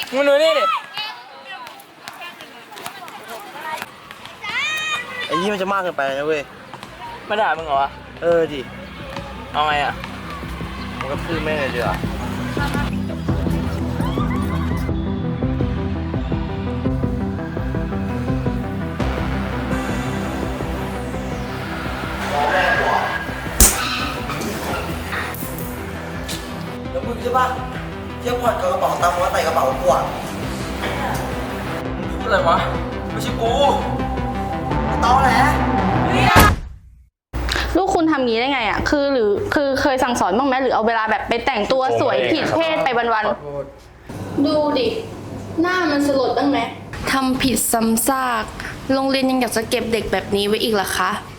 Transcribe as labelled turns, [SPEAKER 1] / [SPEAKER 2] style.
[SPEAKER 1] มึงดูนี่ดิ
[SPEAKER 2] ไอ้นี่มันจะมากเกินไปนะเว้ย
[SPEAKER 1] มาด่ามึงเหรอวะ
[SPEAKER 2] ดิ
[SPEAKER 1] เอาไงอ่ะ
[SPEAKER 2] มันก็พูดแม่งเลยดีกว่าแล้วมึงใช่ปะเที่ยวผ่อนกับกระเป๋าตังค์ว่าใส่กระเป๋ากูอ่ะ
[SPEAKER 1] พูดอะไรวะ ไม่ใช่กู
[SPEAKER 2] ตอแหล
[SPEAKER 3] ลูกคุณทำงี้ได้ไงอ่ะคือเคยสั่งสอนบ้างไหมหรือเอาเวลาแบบไปแต่งตัวสวยผิดเพศไปวันๆดูดิหน้ามันสลดบ้างไหม
[SPEAKER 4] ทำผิดซ้ำซาก โรงเรียนยังอยากจะเก็บเด็กแบบนี้ไว้อีกเหรอคะ